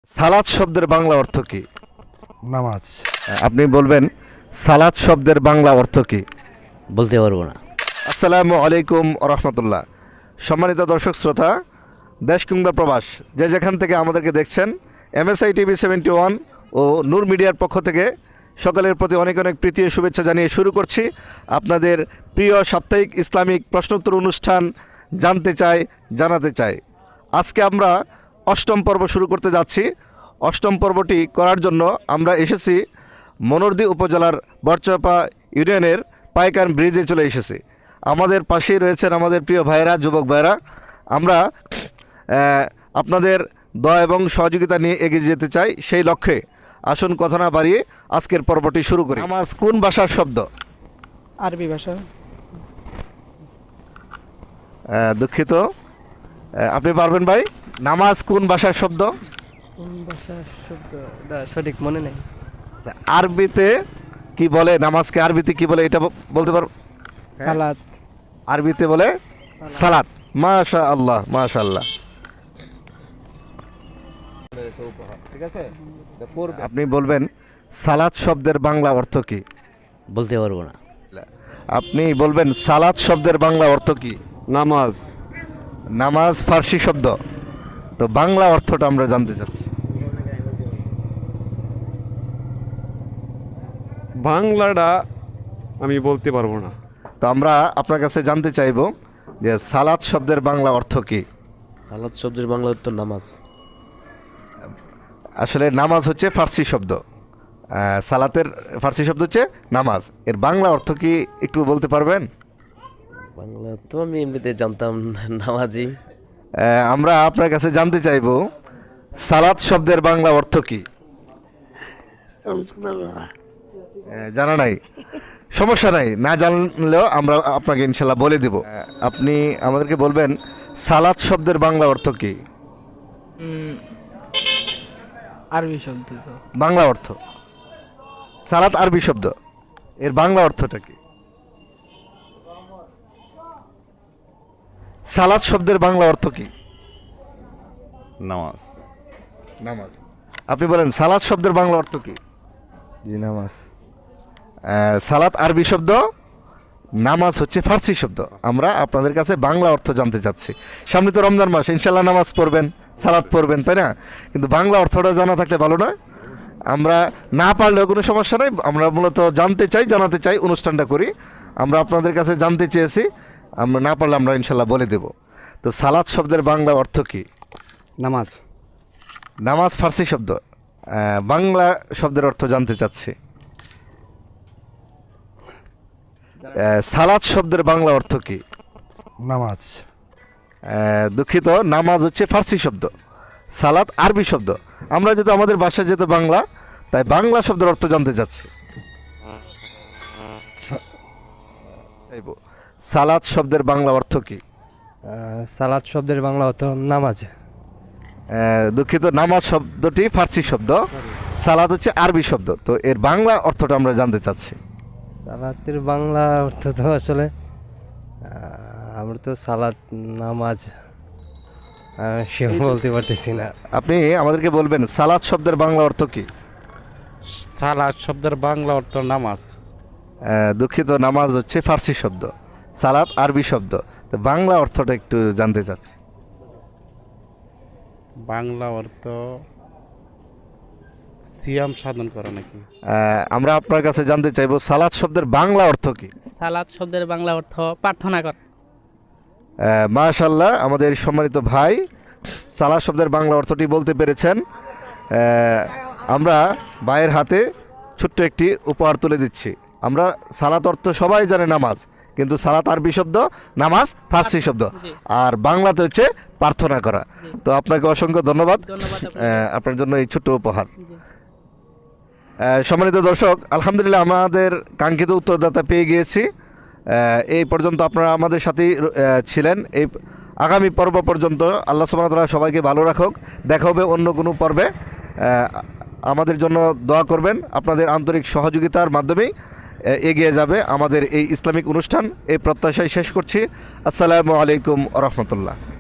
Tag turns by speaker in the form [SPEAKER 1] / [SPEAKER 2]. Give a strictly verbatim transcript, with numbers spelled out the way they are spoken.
[SPEAKER 1] সালাত শব্দের বাংলা অর্থ কি?
[SPEAKER 2] নামাজ।
[SPEAKER 1] আপনি বলবেন সালাত শব্দের বাংলা অর্থ কি?
[SPEAKER 3] বলতে পারবো না।
[SPEAKER 1] আসসালামু আলাইকুম রহমতুল্লাহ। সম্মানিত দর্শক শ্রোতা, দেশ কিংবা প্রবাস যে যেখান থেকে আমাদেরকে দেখছেন, এমএসআই টিভি সেভেন্টি ওয়ান ও নূর মিডিয়ার পক্ষ থেকে সকলের প্রতি অনেক অনেক প্রীতি ও শুভেচ্ছা জানিয়ে শুরু করছি আপনাদের প্রিয় সাপ্তাহিক ইসলামিক প্রশ্নোত্তর অনুষ্ঠান জানতে চাই জানাতে চাই। আজকে আমরা অষ্টম পর্ব শুরু করতে যাচ্ছি। অষ্টম পর্বটি করার জন্য আমরা এসেছি মনোরদী উপজেলার বরচাপা ইউনিয়নের পাইকান ব্রিজে চলে এসেছি। আমাদের পাশেই রয়েছেন আমাদের প্রিয় ভাইয়েরা, যুবক ভাইয়েরা। আমরা আপনাদের দয়া এবং সহযোগিতা নিয়ে এগিয়ে যেতে চাই। সেই লক্ষ্যে আসুন কথা না বাড়িয়ে আজকের পর্বটি শুরু করি। নামাজ কোন ভাষার শব্দ?
[SPEAKER 4] আরবি ভাষা।
[SPEAKER 1] দুঃখিত, আপনি পারবেন ভাই? নামাজ কোন ভাষার শব্দ?
[SPEAKER 4] কোন ভাষার শব্দ সঠিক মনে নেই।
[SPEAKER 1] আরবিতে কি বলে? নামাজকে আরবিতে কি বলে এটা বলতে পারো?
[SPEAKER 4] সালাত।
[SPEAKER 1] আরবিতে বলে সালাত। মাশা আল্লাহ, মাশা আল্লাহ। ঠিক আছে, আপনি বলবেন সালাত শব্দের বাংলা অর্থ কি?
[SPEAKER 3] বলতে পারবো না।
[SPEAKER 1] আপনি বলবেন সালাত শব্দের বাংলা অর্থ কি?
[SPEAKER 2] নামাজ।
[SPEAKER 1] নামাজ ফার্সি শব্দ, তো বাংলা অর্থটা আমরা জানতে চাচ্ছি।
[SPEAKER 2] বাংলাটা আমি বলতে পারবো না।
[SPEAKER 1] তো আমরা আপনার কাছে জানতে চাইব যে সালাত শব্দের বাংলা অর্থ কি?
[SPEAKER 3] সালাত শব্দের বাংলা অর্থ নামাজ।
[SPEAKER 1] আসলে নামাজ হচ্ছে ফার্সি শব্দ, সালাতের ফার্সি শব্দ হচ্ছে নামাজ। এর বাংলা অর্থ কি একটু বলতে পারবেন?
[SPEAKER 3] বাংলা তো আমি এমনিতে জানতাম নামাজি।
[SPEAKER 1] আমরা আপনার কাছে জানতে চাইব সালাত শব্দের বাংলা অর্থ কি? জানা নাই, সমস্যা নাই, না জানলেও আমরা আপনাকে ইনশাল্লাহ বলে দেব। আপনি আমাদেরকে বলবেন সালাত শব্দের বাংলা অর্থ কি?
[SPEAKER 4] আরবি শব্দ তো।
[SPEAKER 1] বাংলা অর্থ সালাত আরবি শব্দ, এর বাংলা অর্থটা কি? সালাত শব্দের বাংলা অর্থ কি?
[SPEAKER 2] নামাজ।
[SPEAKER 1] নামাজ। আপনি বলেন সালাত শব্দের বাংলা অর্থ কি?
[SPEAKER 2] জি, নামাজ।
[SPEAKER 1] সালাত আরবি শব্দ, নামাজ হচ্ছে ফার্সি শব্দ। আমরা আপনাদের কাছে বাংলা অর্থ জানতে চাচ্ছি। সামনে তো রমজান মাস, ইনশাল্লাহ নামাজ পড়বেন, সালাত পড়বেন, তাই না? কিন্তু বাংলা অর্থটা জানা থাকলে ভালো না? আমরা না পারলেও কোনো সমস্যা নেই, আমরা মূলত জানতে চাই, জানাতে চাই, অনুষ্ঠানটা করি। আমরা আপনাদের কাছে জানতে চেয়েছি, আমরা না পারলে আমরা ইনশাল্লাহ বলে দেব। তো সালাত শব্দের বাংলা অর্থ কি?
[SPEAKER 2] নামাজ।
[SPEAKER 1] নামাজ ফার্সি শব্দ, বাংলা শব্দের অর্থ জানতে চাচ্ছি। সালাত শব্দের বাংলা অর্থ কি?
[SPEAKER 2] নামাজ।
[SPEAKER 1] দুঃখিত, নামাজ হচ্ছে ফার্সি শব্দ, সালাত আরবি শব্দ। আমরা যেহেতু আমাদের ভাষা যেহেতু বাংলা, তাই বাংলা শব্দের অর্থ জানতে চাচ্ছি। সালাত শব্দের বাংলা অর্থ কি?
[SPEAKER 5] সালাত শব্দের বাংলা অর্থ নামাজ।
[SPEAKER 1] দুঃখিত, নামাজ শব্দটি ফার্সি শব্দ, সালাত হচ্ছে আরবি শব্দ। তো এর বাংলা অর্থটা আমরা জানতে চাচ্ছি।
[SPEAKER 5] সালাতের বাংলা অর্থ তো আসলে আমরা তো সালাত নামাজ সে বলতে পারতেছি না।
[SPEAKER 1] আপনি আমাদেরকে বলবেন সালাত শব্দের বাংলা অর্থ কি?
[SPEAKER 2] সালাত শব্দের বাংলা অর্থ নামাজ।
[SPEAKER 1] দুঃখিত, নামাজ হচ্ছে ফার্সি শব্দ, সালাত আরবি শব্দ। তো বাংলা অর্থটা একটু জানতে চাচ্ছি।
[SPEAKER 2] বাংলা অর্থ সিয়াম সাধন করা নাকি?
[SPEAKER 1] আমরা আপনার কাছে জানতে চাইবো সালাত শব্দের বাংলা অর্থ কি?
[SPEAKER 4] সালাত শব্দের বাংলা অর্থ প্রার্থনা করা।
[SPEAKER 1] মাশাআল্লাহ, আমাদের সম্মানিত ভাই সালাত শব্দের বাংলা অর্থটি বলতে পেরেছেন। আমরা ভাইয়ের হাতে ছোট্ট একটি উপহার তুলে দিচ্ছি। আমরা সালাত অর্থ সবাই জানে নামাজ, কিন্তু সালাত আরবি শব্দ, নামাজ ফার্সি শব্দ, আর বাংলাতে হচ্ছে প্রার্থনা করা। তো আপনাকে অসংখ্য ধন্যবাদ আপনার জন্য এই ছোট্ট উপহার। সম্মানিত দর্শক, আলহামদুলিল্লাহ আমাদের কাঙ্ক্ষিত উত্তরদাতা পেয়ে গিয়েছি। এই পর্যন্ত আপনারা আমাদের সাথেই ছিলেন। এই আগামী পর্ব পর্যন্ত আল্লাহ সুবহানাহু ওয়া তাআলা সবাইকে ভালো রাখুক। দেখা হবে অন্য কোনো পর্বে। আমাদের জন্য দোয়া করবেন, আপনাদের আন্তরিক সহযোগিতার মাধ্যমেই এগিয়ে যাবে আমাদের এই ইসলামিক অনুষ্ঠান। এই প্রত্যাশায় শেষ করছি। আসসালামু আলাইকুম ওয়া রাহমাতুল্লাহ।